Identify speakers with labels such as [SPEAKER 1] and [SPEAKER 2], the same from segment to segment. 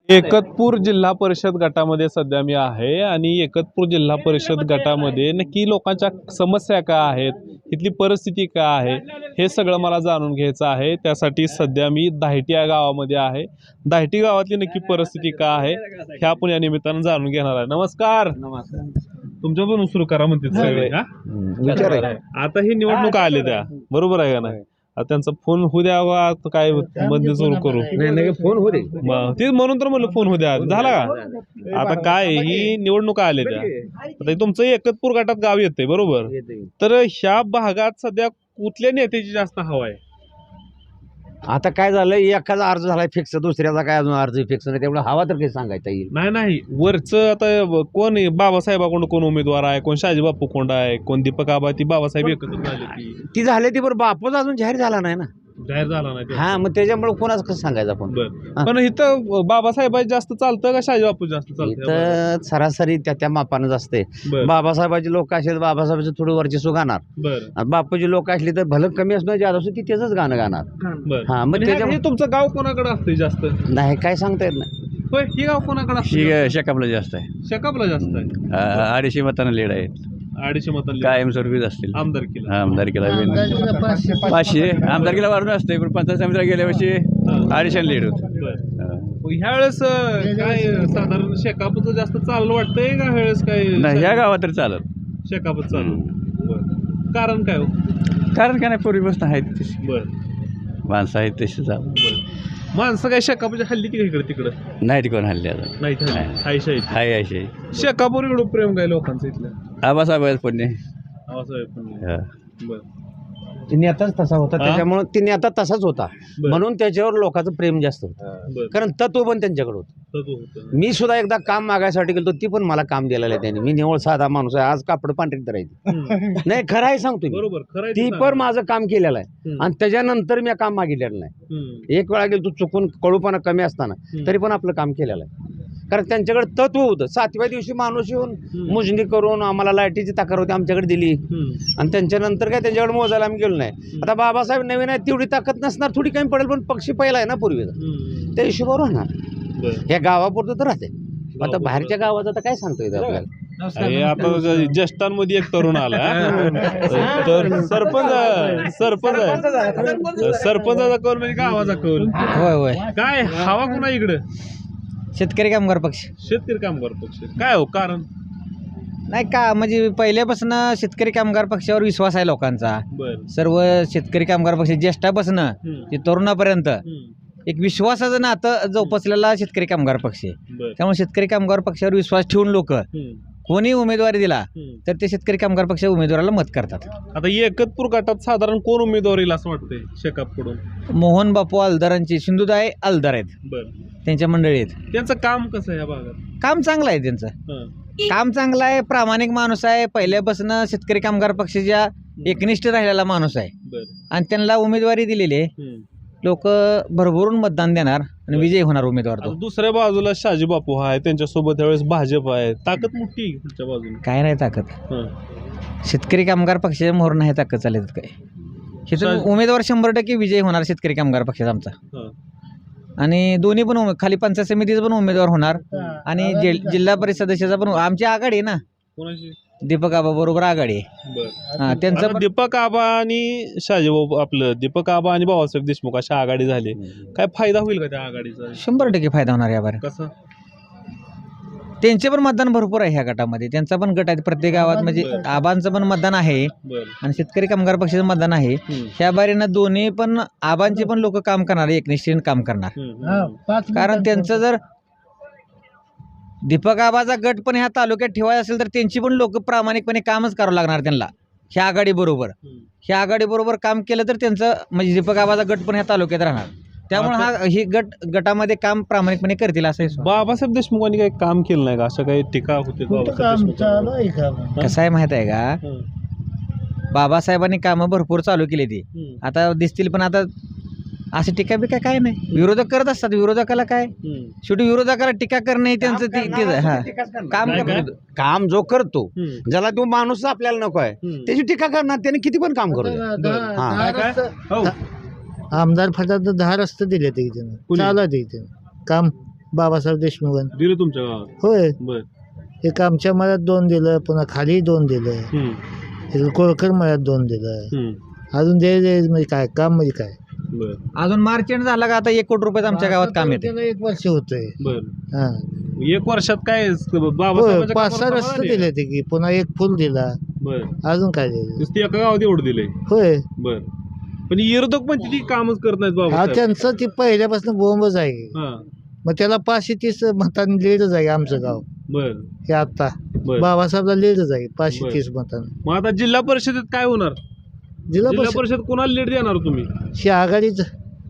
[SPEAKER 1] एकतपूर जिल्हा परिषद गटामध्ये सध्या मी आहे आणि एकतपूर जिल्हा परिषद गटामध्ये नक्की लोकांच्या समस्या काय आहेत, इथली परिस्थिती काय आहे, हे सगळं मला जाणून घ्यायचं आहे। त्यासाठी सध्या मी दाहेटी या गावामध्ये आहे। दाहेटी गावातली नक्की परिस्थिती काय आहे हे आपण या निमित्तानं जाणून घेणार आहे। नमस्कार। तुमच्या पण सुरू करा म्हणते सगळे हा। आता ही निवडणूक आली त्या बरोबर आहे का नाही? आता त्यांचा फोन होऊ द्यावा काय मध्ये सुरू करू
[SPEAKER 2] नाही फोन होते
[SPEAKER 1] ते म्हणून तर म्हणलं फोन होऊ द्या झाला का? आता काय ही निवडणुका आल्या त्या आता तुमचं एकतपूर गटात गाव येते बरोबर, तर ह्या भागात सध्या कुठल्या नेत्याची जास्त हवा आहे?
[SPEAKER 2] आता काय झालं एखादा अर्ज झालाय फिक्स, दुसऱ्याचा काय अजून अर्ज फिक्स नाही, तेवढं हवा तर काही सांगायचा येईल
[SPEAKER 1] नाही वरचं आता कोण बाबासाहेबाकडून कोण उमेदवार आहे, कोण शाजी बापू कोंड आहे, कोण दीपक आबा, ती बाबासाहेब एकत्र झाले
[SPEAKER 2] ती झाली ती बरं बापूच अजून जाहीर झाला नाही ना,
[SPEAKER 1] जाहीर झाला नाही
[SPEAKER 2] हा मग त्याच्यामुळे कोणाच कसं सांगायचं आपण।
[SPEAKER 1] पण इथं बाबासाहेब जास्त चालतं का शाजी बापू जास्त चालतं?
[SPEAKER 2] इथं सरासरी त्या मापानच असते। बाबासाहेबाची लोक असले बाबासाहेबाचं थोडं वर्चस्व गाणार, बापूची लोक असली तर भलं कमी असणं जास्त असं ती त्याच गाणं गाणार। हा मग
[SPEAKER 1] त्याच्यामुळे तुमचं गाव कोणाकडे असतं जास्त?
[SPEAKER 2] नाही काय सांगता येत नाही।
[SPEAKER 1] होय, ही गाव कोणाकडे असतं?
[SPEAKER 3] शेकापला जास्त आहे,
[SPEAKER 1] शेकापला जास्त आहे।
[SPEAKER 3] 250 मतांना लीड आहे,
[SPEAKER 1] 250 मतांनी
[SPEAKER 3] कायमस्वरूपीच असतील
[SPEAKER 1] आमदारकीला।
[SPEAKER 3] आमदारकीला 500 आमदारकीला वाढून असते, पण पंचायत समितीला गेल्या वर्षी 250 लीड होत।
[SPEAKER 1] ह्या वेळेस काय साधारण शेकापचं जास्त चाललं वाटतंय का? ह्या वेळेस काय
[SPEAKER 3] नाही ह्या गावात तर चालत
[SPEAKER 1] शेकापच चालू? कारण काय हो?
[SPEAKER 3] कारण काय नाही, पूर्वीपासून आहेत तशी
[SPEAKER 1] बर
[SPEAKER 3] माणसं आहेत तशी चालत।
[SPEAKER 1] माणसं काय शेकापच्या हल्ली ती इकडे तिकडं
[SPEAKER 3] नाही ती कोण हल्ली आता
[SPEAKER 1] नाही
[SPEAKER 3] हाय अशी
[SPEAKER 1] शेकापूर इकडं प्रेम काय लोकांचं इथलं?
[SPEAKER 3] आबासाहेब पुण्य
[SPEAKER 1] बर
[SPEAKER 2] ती नेताच तसा होता, त्याच्यामुळे ती नेता तसाच होता म्हणून त्याच्यावर लोकांचं प्रेम जास्त होतं, कारण तत्व पण त्यांच्याकडे होतं। मी सुद्धा एकदा काम मागायसाठी गेलो, ती पण मला काम दिलेलं आहे त्यांनी। मी निवळ साधा माणूस आहे, आज कापड पांढरीत धरायची नाही, खरं आहे सांगतो
[SPEAKER 1] बरोबर,
[SPEAKER 2] ती पण माझं काम केलेलं आहे आणि त्याच्यानंतर मी काम मागितलेलं नाही। एक वेळा गेलो तू चुकून कळूपणा कमी असताना तरी पण आपलं काम केलेलं आहे, कारण त्यांच्याकडे तत्व होतं। 7व्या दिवशी माणूस येऊन मोजणी करून आम्हाला लाईटीची तक्रार होती आमच्याकडे दिली आणि त्यांच्यानंतर काय त्यांच्याकडे मोजायला आम्ही गेलो नाही। आता बाबासाहेब नवीन आहे, तेवढी ताकद नसणार, थोडी कमी पडेल, पण पक्षी पहिला आहे ना पूर्वीचा, त्या हिशोबावर राहणार। ह्या गावापुरतं तर राहते, आता बाहेरच्या गावात आता काय सांगतो येतं आपल्याला।
[SPEAKER 1] आता ज्येष्ठांमध्ये एक तरुण आला तर सरपंचाचा कौल म्हणजे गावाचा कौल।
[SPEAKER 4] होय
[SPEAKER 1] काय हवा कुणा इकडं?
[SPEAKER 4] शेतकरी कामगार पक्ष.
[SPEAKER 1] शेतकरी कामगार पक्ष काय हो कारण?
[SPEAKER 4] नाही का म्हणजे पहिल्यापासून शेतकरी कामगार पक्षावर विश्वास आहे लोकांचा। सर्व शेतकरी कामगार पक्ष ज्येष्ठापासून ते तरुणापर्यंत एक विश्वासाचं नातं जोपासलेला शेतकरी कामगार पक्ष आहे। त्यामुळे शेतकरी कामगार पक्षावर विश्वास ठेवून लोक कोणी उमेदवारी दिला तर ते शेतकरी कामगार पक्ष उमेदवाराला मत करतात।
[SPEAKER 1] आता एकतपूर गटात साधारण कोण उमेदवार येईल असं वाटतंय शेकापकडून?
[SPEAKER 4] मोहन बापू अलदारांची सिंधुताई अलदार आहेत, त्यांच्या मंडळीत।
[SPEAKER 1] त्यांचं काम कसं आहे या भागात?
[SPEAKER 4] काम चांगलं आहे त्यांचं, काम चांगलं आहे, प्रामाणिक माणूस आहे, पहिल्यापासून शेतकरी कामगार पक्षाच्या एकनिष्ठ राहिलेला माणूस आहे आणि त्यांना उमेदवारी दिलेली आहे। लोक भरभरून मतदान देणार आणि विजयी होणार उमेदवार तो।
[SPEAKER 1] दुसऱ्या बाजूला शाजी बापू आहे, त्यांच्यासोबत त्यावेळेस भाजप आहे, ताकद मोठी पुढच्या बाजूने
[SPEAKER 4] काय नाही ताकद, शेतकरी कामगार पक्षाच्या मोहर नाही ताकद चालत काय। हे उमेदवार 100% विजयी होणार शेतकरी कामगार पक्षाचा आमचा, आणि दोन्ही पण खाली पंचायत समितीचा पण उमेदवार होणार आणि जिल्हा परिषद सदस्याचा पण। आमची आघाडी आहे ना, दीपक आबा बरोबर आघाडी आहे त्यांचं।
[SPEAKER 1] दीपक आबा आणि शाजीबाबू आपलं दीपक आबा आणि बाबासाहेब देशमुख अशा आघाडी झाली, काय फायदा होईल का त्या आघाडीचा?
[SPEAKER 4] 100% फायदा होणार यावर।
[SPEAKER 1] कसं?
[SPEAKER 4] त्यांचे पण मतदान भरपूर आहे ह्या गटामध्ये, त्यांचा पण गट आहे प्रत्येक गावात, म्हणजे आबांचं पण मतदान आहे आणि शेतकरी कामगार पक्षाचं मतदान आहे। ह्या बारीनं दोन्ही पण आबांचे पण लोक काम करणार, एकनिष्ठीने काम करणार, कारण त्यांचं जर दीपक आबाचा गट पण ह्या तालुक्यात ठेवायचा असेल तर त्यांची पण लोक प्रामाणिकपणे कामच करावं लागणार त्यांना। ह्या आघाडी बरोबर काम केलं तर त्यांचं म्हणजे दीपक आबाचा गट पण ह्या तालुक्यात राहणार, त्यामुळे ही गटामध्ये काम प्रामाणिकपणे करतील असं।
[SPEAKER 1] बाबासाहेब देशमुखांनी काही काम केलं नाही का? असं काही टीका होते?
[SPEAKER 4] कसं आहे माहित आहे का, बाबासाहेबांनी कामं भरपूर चालू केली ती, आता दिसतील, पण आता अशी टीका बिका काय नाही, विरोधक करत असतात। विरोधकाला काय, शेवटी विरोधकाला टीका करणे त्यांचं
[SPEAKER 2] काम जो करतो, ज्याला तो माणूस आपल्याला नको आहे त्याची टीका करणार, त्याने किती पण काम करू।
[SPEAKER 5] आमदार फटात 10 रस्ते दिले ते चालू आहे काम बाबासाहेब देशमुख
[SPEAKER 1] दिलं तुमच्या गावात?
[SPEAKER 5] होय.
[SPEAKER 1] बर.
[SPEAKER 5] एक आमच्या मळ्यात 2 दिलं, पुन्हा खाली 2 दिलं,
[SPEAKER 1] हम्म,
[SPEAKER 5] इकडे कोळकर मळ्यात 2 दिलं.
[SPEAKER 1] हम्म,
[SPEAKER 5] अजून दे म्हणजे काय काम म्हणजे काय.
[SPEAKER 1] बर
[SPEAKER 4] अजून मार्च एंड झाला का आता 1 कोटी रुपये आमच्या गावात काम येते.
[SPEAKER 5] त्याला 1 वर्ष होतंय.
[SPEAKER 1] बर.
[SPEAKER 5] हा
[SPEAKER 1] 1 वर्षात काय
[SPEAKER 5] होय,
[SPEAKER 1] बाबासाहेबांच्या
[SPEAKER 5] 5-6
[SPEAKER 1] कामावर
[SPEAKER 5] रस्ते
[SPEAKER 1] समाधान आहे?
[SPEAKER 5] दिले ते की, पुन्हा 1 फुल दिला,
[SPEAKER 1] बर.
[SPEAKER 5] अजून काय दिलं.
[SPEAKER 1] नुसती एका गावात एवढं दिलंय?
[SPEAKER 5] होय.
[SPEAKER 1] बर. पण विरोधक पण ती कामच करत नाहीत
[SPEAKER 5] हा
[SPEAKER 1] बाबासाहेब.
[SPEAKER 5] त्यांचं ती पहिल्यापासून बोंबच आहे.
[SPEAKER 1] हा.
[SPEAKER 5] मग त्याला 530 मतांनी लीडच आहे आमचं गाव.
[SPEAKER 1] बर.
[SPEAKER 5] हे आता
[SPEAKER 1] बर.
[SPEAKER 5] बाबासाहेबला लीडच आहे 530 मतांनी.
[SPEAKER 1] मग आता जिल्हा परिषदेत काय होणार?
[SPEAKER 5] जिल्हा
[SPEAKER 1] जिल्हा
[SPEAKER 5] परिषद
[SPEAKER 1] परिषद कोणाला लीड देणार तुम्ही?
[SPEAKER 5] ही आघाडीच.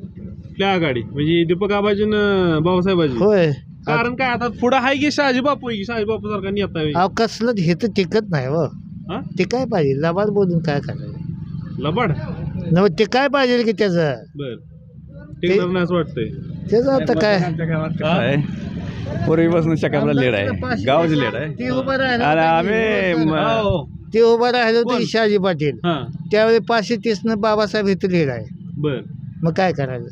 [SPEAKER 1] त्या आघाडी म्हणजे दीपक आबाजी न बाबासाहेबाजी?
[SPEAKER 5] होय.
[SPEAKER 1] कारण काय आता पुढे आहे की शहाजी बापू आहे की शहाजी बापू सारखा नेता आहे?
[SPEAKER 5] अहो कसलं हे तर टिकत नाही व.
[SPEAKER 1] हा?
[SPEAKER 5] ते काय पाहिजे लबाड बोलून काय करायचं.
[SPEAKER 1] लबाड?
[SPEAKER 5] नव ते काय पाहिजे की त्याचं.
[SPEAKER 1] बर. टिकणार नाही असं वाटतंय?
[SPEAKER 5] त्याचं आता काय.
[SPEAKER 3] आहे पूर्वीपासून शकापला लेड आहे, गावच लेड आहे.
[SPEAKER 5] ते उभं राहिलं
[SPEAKER 3] आणि आम्ही
[SPEAKER 1] हो.
[SPEAKER 5] ते उभं राहिलं
[SPEAKER 1] कोण?
[SPEAKER 5] होतं शहाजी पाटील.
[SPEAKER 1] हा.
[SPEAKER 5] त्यावेळी 530 बाबासाहेब इथं लीड आहे.
[SPEAKER 1] बर.
[SPEAKER 5] मग काय करायचं.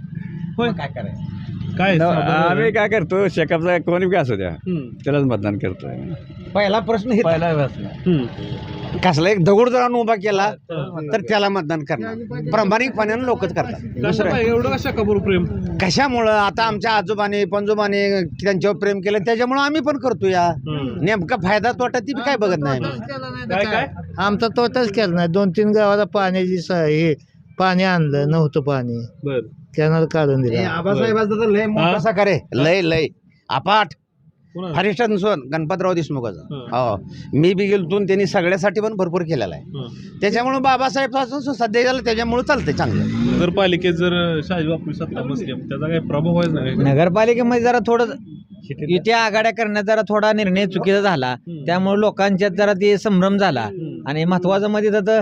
[SPEAKER 1] होय.
[SPEAKER 4] काय करायचं.
[SPEAKER 1] काय
[SPEAKER 3] आम्ही काय करतो, शेकापचा कोणी बी असू द्या
[SPEAKER 1] हम्म,
[SPEAKER 3] त्यालाच मतदान करतोय.
[SPEAKER 4] पहिला प्रश्न हे
[SPEAKER 1] हम्म.
[SPEAKER 2] कसला एक दगड जर उभा केला तर त्याला मतदान करणार. प्रामाणिकपणानं लोकच करतात.
[SPEAKER 1] कसं काय एवढं कशा कबूर प्रेम?
[SPEAKER 2] कशामुळं आता आमच्या आजोबाने पंजोबाने त्यांच्यावर प्रेम केलं त्याच्यामुळं आम्ही पण करतो या.
[SPEAKER 1] हम्म.
[SPEAKER 2] नेमका फायदा तोटा ती बी काय बघत नाही आम्ही.
[SPEAKER 1] काय काय?
[SPEAKER 5] आमचा तोटाच केला नाही. 2-3 गावाला पाण्याची हे पाणी आणलं नव्हतं पाणी,
[SPEAKER 1] बर.
[SPEAKER 5] कॅनल काढून दिला.
[SPEAKER 2] आबासाहेबाचं तर लय
[SPEAKER 1] हा?
[SPEAKER 2] मोठा साकार आहे. लय अपाट.
[SPEAKER 1] कोणाला?
[SPEAKER 2] हरिष्ठ नसोन गणपतराव देशमुखाचं.
[SPEAKER 1] हा.
[SPEAKER 2] हो मी बी गेलतो त्यांनी सगळ्यासाठी पण भरपूर केलेला आहे.
[SPEAKER 1] हा.
[SPEAKER 2] त्याच्यामुळे बाबासाहेब पासून सध्या झालं त्याच्यामुळे चालतंय चांगलं.
[SPEAKER 1] नगरपालिकेत जर शहाजी बापू सत्ता बसली त्याचा काही प्रभाव व्हायचा नाही का?
[SPEAKER 4] नगरपालिकेमध्ये जरा थोडं युती आघाड्या करण्यात जरा थोडा निर्णय चुकीचा झाला. त्यामुळे लोकांच्यात जरा ते संभ्रम झाला. आणि महत्वाचं मध्ये तर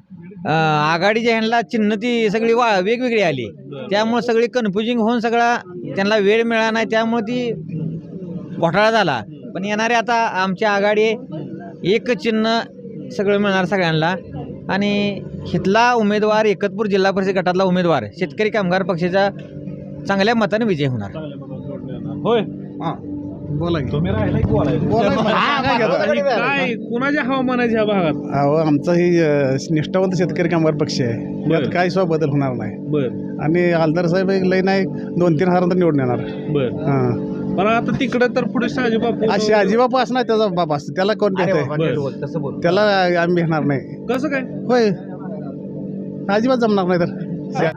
[SPEAKER 4] आघाडीच्या ह्यांना चिन्ह ती सगळी वेगवेगळी आली. त्यामुळे सगळी कन्फ्युजिंग होऊन सगळा त्यांना वेळ मिळाला नाही. त्यामुळे ती घोटाळा झाला. पण येणारे आता आमची आघाडी एक चिन्ह सगळं मिळणार सगळ्यांना. आणि इथला उमेदवार एकतपूर जिल्हा परिषद गटातला उमेदवार शेतकरी कामगार पक्षाच्या चांगल्या मताने विजय होणार.
[SPEAKER 1] होय.
[SPEAKER 2] बोला
[SPEAKER 1] तुम्ही राहिला की बोलायचं? आणि काय कुणाच्या हवामानाच्या ह्या भागात?
[SPEAKER 6] अहो आमचा ही निष्ठावंत शेतकरी कामगार पक्ष आहे.
[SPEAKER 1] बरं.
[SPEAKER 6] यात काय सुद्धा बदल होणार नाही.
[SPEAKER 1] बर.
[SPEAKER 6] आणि आलदार साहेब एक लई नाही 2-3 हजारांतर निवडून येणार.
[SPEAKER 1] बर.
[SPEAKER 6] हां
[SPEAKER 1] पण आता तिकडे तर पुढे शहाजी बापू
[SPEAKER 6] अशी आजीबापा असं नाही त्याचा बाप असतो त्याला कोण देते. त्याला आम्ही घेणार नाही.
[SPEAKER 1] कसं काय?
[SPEAKER 6] होय अजिबात जमणार नाही तर.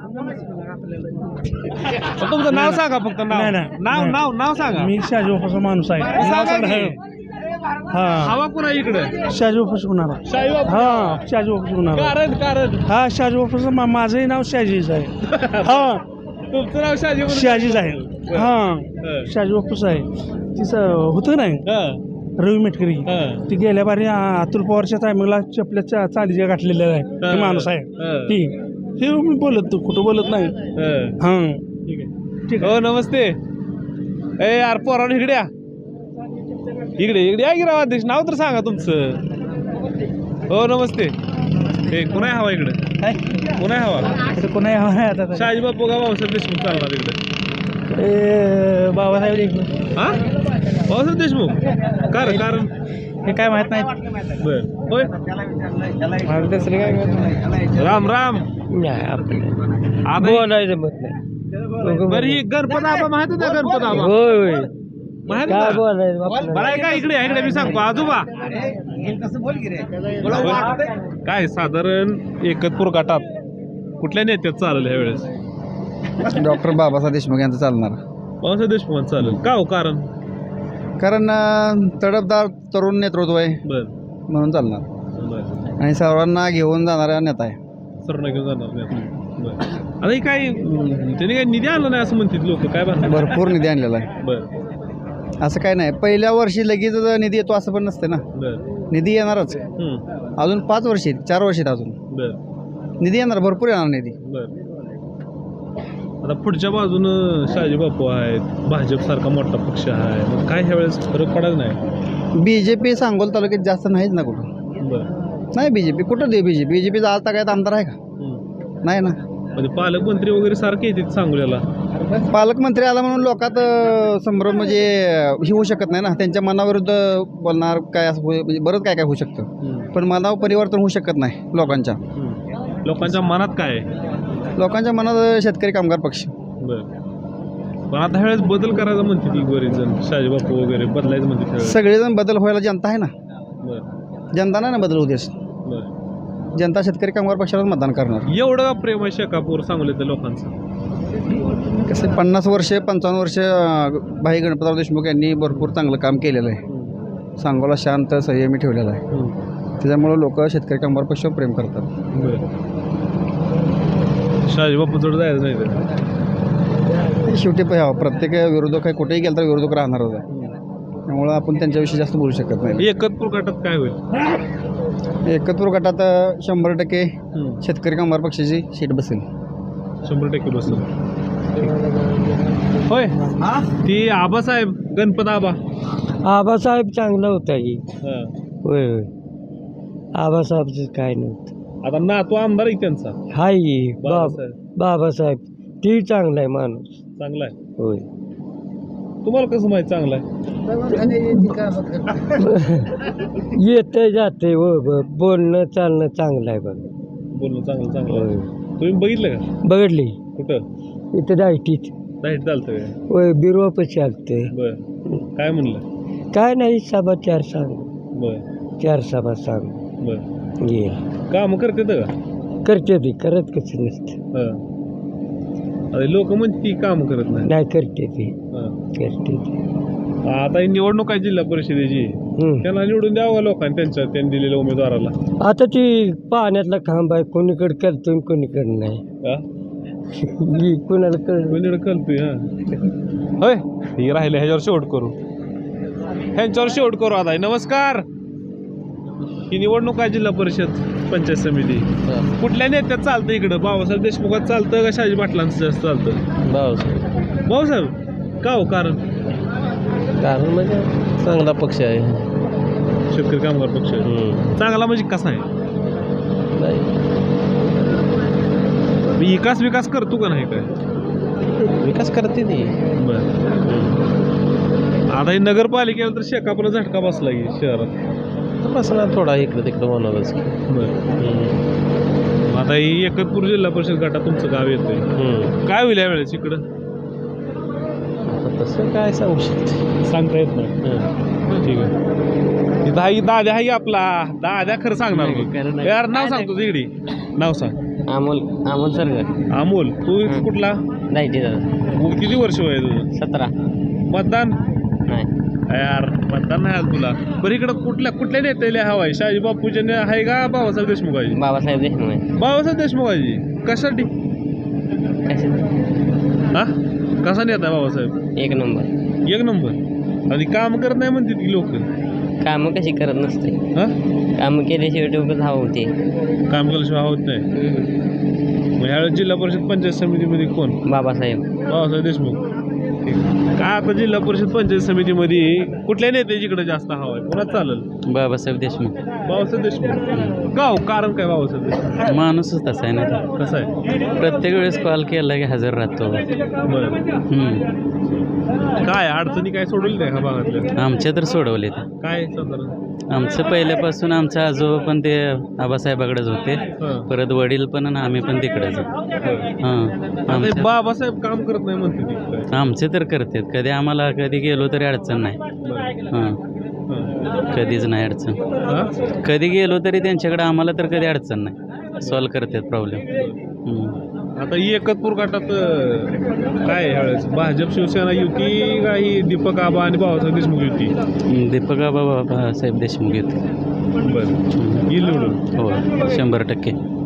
[SPEAKER 1] तुमचं नाव सांगा फक्त. नाव सांगा.
[SPEAKER 7] मी शहाजी बापूचा माणूस आहे.
[SPEAKER 1] सांगा की.
[SPEAKER 7] हा
[SPEAKER 1] हवा कुणा इकडे?
[SPEAKER 7] शहाजी बापूच होणार.
[SPEAKER 1] शहाजी बापू.
[SPEAKER 7] हा शहाजी बापूच होणार.
[SPEAKER 1] कारण
[SPEAKER 7] हा शहाजी बापूचं माझंही नाव शहाजीच आहे. हा
[SPEAKER 1] तुमचं नाव शहाजी म्हणून?
[SPEAKER 7] शहाजीच आहे. हा शहाजी बापूच आहे. तिचं होतं नाही
[SPEAKER 1] हा.
[SPEAKER 7] रवी मेटकरी
[SPEAKER 1] हा.
[SPEAKER 7] ती गेल्या बारी अतुल पवारच्या टायमिंगला चपल्याच्या चांदीच्या गाठलेल्या आहे.
[SPEAKER 1] हा.
[SPEAKER 7] ते माणूस आहे
[SPEAKER 1] हा.
[SPEAKER 7] ती. हे मी बोलत कुठं बोलत नाही.
[SPEAKER 1] हा.
[SPEAKER 7] हा
[SPEAKER 1] ठीक आहे. हो नमस्ते. ए यार पोरांनो इकडे या. इकडे या की राव अध्यक्ष. नाव तर सांगा तुमचं. हो नमस्ते. ए कुणा हवा इकडे? कुणा हवा?
[SPEAKER 7] कोणा आता
[SPEAKER 1] शहाजी बापू का बाबासाहेब देशमुख चालणार इकडे?
[SPEAKER 7] बाबासाहेब देशमुख.
[SPEAKER 1] हा बाबासाहेब देशमुख. कारण
[SPEAKER 7] हे काय माहित नाही.
[SPEAKER 1] बर. होय. राम राम. आता
[SPEAKER 7] बोलायचं मत नाही.
[SPEAKER 1] बरं ही गणपत आबा माहित होता? गणपत आबा
[SPEAKER 7] होय
[SPEAKER 1] माहित
[SPEAKER 7] काय
[SPEAKER 1] होता?
[SPEAKER 7] बोलायचं.
[SPEAKER 1] बरं आहे का? इकडे मी सांगतो आजोबा. काय साधारण एकतपूर गटात कुठल्या नेत्यात चालेल ह्या वेळेस?
[SPEAKER 3] डॉक्टर बाबासाहेब देशमुख यांचं चालणार.
[SPEAKER 1] बाबासाहेब देशमुख चालेल का? हो कारण?
[SPEAKER 3] कारण तडफदार तरुण नेतृत्व आहे
[SPEAKER 1] बर.
[SPEAKER 3] म्हणून चालणार.
[SPEAKER 1] बर.
[SPEAKER 3] आणि सर्वांना घेऊन जाणारा नेता आहे.
[SPEAKER 1] सर्वांना घेऊन जाणार नाही. बर. आता हे काय त्यांनी काय निधी आणला नाही असं म्हणतात लोक. काय बांधणार?
[SPEAKER 3] भरपूर निधी आणलेला आहे.
[SPEAKER 1] बर.
[SPEAKER 3] असं काय नाही पहिल्या वर्षी लगेच निधी येतो असं पण नसते ना.
[SPEAKER 1] बर.
[SPEAKER 3] निधी येणारच. अजून 5 वर्ष आहेत, 4 वर्ष आहेत अजून.
[SPEAKER 1] बर.
[SPEAKER 3] निधी येणार, भरपूर येणार निधी.
[SPEAKER 1] बर. आता पुढच्या बाजूनं शहाजी बापू आहेत, भाजप सारखा मोठा पक्ष आहे. मग काय ह्या वेळेस फरक पडत नाही?
[SPEAKER 3] BJP सांगोल तालुक्यात जास्त नाहीच ना कुठं.
[SPEAKER 1] बर.
[SPEAKER 3] नाही BJP कुठं दे BJPचा आज काय आमदार आहे का? नाही ना.
[SPEAKER 1] म्हणजे पालकमंत्री वगैरे सारखे येतात सांगोल्याला.
[SPEAKER 6] पालकमंत्री आला म्हणून लोकात संभ्रम म्हणजे हे होऊ शकत नाही ना. त्यांच्या मनाविरुद्ध बोलणार काय असं म्हणजे बरंच काय काय होऊ शकतं. पण मनावर परिवर्तन होऊ शकत नाही लोकांच्या.
[SPEAKER 1] लोकांच्या मनात काय आहे?
[SPEAKER 6] लोकांच्या मनात शेतकरी कामगार पक्ष.
[SPEAKER 1] बरं. पण आता ह्यावेळेस बदल करायचा म्हणते ती बरेच जण, शाजीबापू वगैरे बदलायचं म्हणते त्यावेळेस.
[SPEAKER 6] सगळेजण बदल व्हायला जनता आहे ना.
[SPEAKER 1] बरं.
[SPEAKER 6] जनता नाही ना बदल उद्देश.
[SPEAKER 1] बरं.
[SPEAKER 6] जनता शेतकरी कामगार पक्षालाच मतदान करणार.
[SPEAKER 1] एवढं का प्रेम आहे शेकापूर सांगलीतल्या लोकांचं?
[SPEAKER 6] कसं 50 वर्ष 55 वर्ष भाई गणपतराव देशमुख यांनी भरपूर चांगलं काम केलेलं आहे. सांगोला शांत संयमी ठेवलेला आहे. त्याच्यामुळं लोक शेतकरी कामगार पक्षावर प्रेम करतात.
[SPEAKER 1] शाजीबापू जोड जायचं नाही तर
[SPEAKER 6] शेवटी प्रत्येक विरोधक आहे, कुठेही गेलं तर विरोधक राहणारच आहे. त्यामुळं आपण त्यांच्याविषयी जास्त बोलू शकत नाही.
[SPEAKER 1] एकतपूर गटात काय होईल?
[SPEAKER 6] एकत्र गटात 100% शेतकरी कामगार पक्षाची सीट बसेल.
[SPEAKER 1] 100% बसेल. होय ती आबासाहेब गणपत
[SPEAKER 8] आबासाहेब चांगला होता की.
[SPEAKER 1] हां.
[SPEAKER 8] होय होय आबासाहेबचं काय नव्हतं.
[SPEAKER 1] आता नातू आमदार आहे त्यांचा
[SPEAKER 8] हाय
[SPEAKER 1] बाबासाहेब.
[SPEAKER 8] बाबासाहेब ती चांगला आहे माणूस.
[SPEAKER 1] चांगला आहे.
[SPEAKER 8] होय
[SPEAKER 1] तुम्हाला कसं माहिती चांगला आहे?
[SPEAKER 8] येते जाते बोलणं चालणं चांगलं आहे बघा.
[SPEAKER 1] बोलणं चांगलं
[SPEAKER 8] होय
[SPEAKER 1] आहे. तुम्ही बघितलं का?
[SPEAKER 8] बघडली
[SPEAKER 1] कुठं?
[SPEAKER 8] इथं डायटीत.
[SPEAKER 1] डायट चालतं काय?
[SPEAKER 8] होय बिरवापशी आलते.
[SPEAKER 1] बरं. काय म्हणलं?
[SPEAKER 8] काय नाही सभा 4 सांग.
[SPEAKER 1] बरं.
[SPEAKER 8] 4 सभा सांग.
[SPEAKER 1] बरं.
[SPEAKER 8] ये
[SPEAKER 1] काम करते का?
[SPEAKER 8] करते ती करत कसं नसतं.
[SPEAKER 1] हां. अरे लोक म्हणते ती काम करत नाही.
[SPEAKER 8] नाही करते ती
[SPEAKER 1] हां.
[SPEAKER 8] करते ती.
[SPEAKER 1] आता ही निवडणूक आहे जिल्हा परिषदेची, त्यांना निवडून द्यावं का लोकांनी त्यांनी दिलेल्या उमेदवाराला?
[SPEAKER 8] आता ती पाण्यातला खांब आहे, कोणीकडे करतो कोणीकडे नाही.
[SPEAKER 1] हां?
[SPEAKER 8] कोणाला कळ
[SPEAKER 1] कोणीकडे कळतोय. हां. होय हे राहिले ह्याच्यावर शेवट करू, ह्यांच्यावर शेवट करू. आता नमस्कार. ही निवडणूक आहे जिल्हा परिषद पंचायत समिती. कुठल्या नेत्यात चालतं इकडं? बाबासाहेब देशमुखात चालतं का शाजी पाटलांचं जास्त चालतं? भाऊसाहेब का हो? कारण
[SPEAKER 8] म्हणजे चांगला पक्ष आहे.
[SPEAKER 1] शेतकरी कामगार पक्ष चांगला म्हणजे कसा आहे? विकास करतो का नाही? काय
[SPEAKER 8] विकास करते ती.
[SPEAKER 1] बरं. आता ही नगरपालिकेला तर शेकापूरला झटका बसला की शहरात.
[SPEAKER 8] बसणार थोडा इकडे तिकडे होणारच.
[SPEAKER 1] बरं. आता ही एकतपूर जिल्हा परिषद गटात तुमचं गाव येतंय, काय होईल यावेळेस इकडं?
[SPEAKER 8] तसं काय सांगू शकते,
[SPEAKER 1] सांगता येत नाही. ठीक आहे. इथं हा दाद्या आहे आपला दाद्या. खरं सांगणार यार? नाव सांगतो तिकडे. नाव सांग.
[SPEAKER 8] अमोल सर.
[SPEAKER 1] अमोल. तू कुठला?
[SPEAKER 8] नाही
[SPEAKER 1] किती वर्ष वय तुझं?
[SPEAKER 8] 17.
[SPEAKER 1] मतदान
[SPEAKER 8] नाही
[SPEAKER 1] यार, मतदान नाही आलं तुला. बरं इकडं कुठल्या नेत्याला हवा आहे? शाजी बापूचे आहे का बाबासाहेब देशमुखाची?
[SPEAKER 8] बाबासाहेब देशमुख आहे.
[SPEAKER 1] बाबासाहेब देशमुखाची कशासाठी? हा कसा नेता आहे बाबासाहेब?
[SPEAKER 8] 1 नंबर.
[SPEAKER 1] 1 नंबर. आणि काम करत नाही म्हणते ती लोक.
[SPEAKER 8] कामं कशी करत नसते.
[SPEAKER 1] हा
[SPEAKER 8] कामं केल्याशिवाय डोकं हवं होते.
[SPEAKER 1] काम केल्याशिवाय होत नाही. मग ह्यावेळेस जिल्हा परिषद पंचायत समितीमध्ये कोण? बाबासाहेब देशमुख. ठीक. काय आता जिल्हा परिषद पंचायत समितीमध्ये कुठल्या नेत्याच्याकडे जास्त हवा आहे? कोणाच चालेल?
[SPEAKER 8] बाबासाहेब देशमुख.
[SPEAKER 1] बाबासाहेब देशमुख का हो? कारण काय बाबासाहेब देशमुख?
[SPEAKER 8] माणूसच तसा आहे ना.
[SPEAKER 1] कसं आहे?
[SPEAKER 8] प्रत्येक वेळेस कॉल केला की हजर राहतो.
[SPEAKER 1] काय अडचणी काय सोडवली नाही का भागातल्या?
[SPEAKER 8] आमच्या तर सोडवले.
[SPEAKER 1] काय साधारण?
[SPEAKER 8] आमचं पहिल्यापासून आमचा आजोबा पण ते आबासाहेबाकडेच होते. परत वडील पण आणि आम्ही पण तिकडेच. हां.
[SPEAKER 1] बाबासाहेब काम करत नाही म्हणते.
[SPEAKER 8] आमचे तर करतात. कधी आम्हाला कधी गेलो तरी अडचण नाही. हां. कधीच नाही अडचण. कधी गेलो तरी त्यांच्याकडे आम्हाला तर कधी अडचण नाही. सॉल्व करतात प्रॉब्लेम.
[SPEAKER 1] आता ही एकतपूर गटात काय ह्यावेळेस भाजप शिवसेना युती का ही दीपक आबा आणि बाबासाहेब देशमुख युती?
[SPEAKER 8] दीपक आबा बाबासाहेब देशमुख युती.
[SPEAKER 1] बरं. येईल निवडून?
[SPEAKER 8] हो 100%.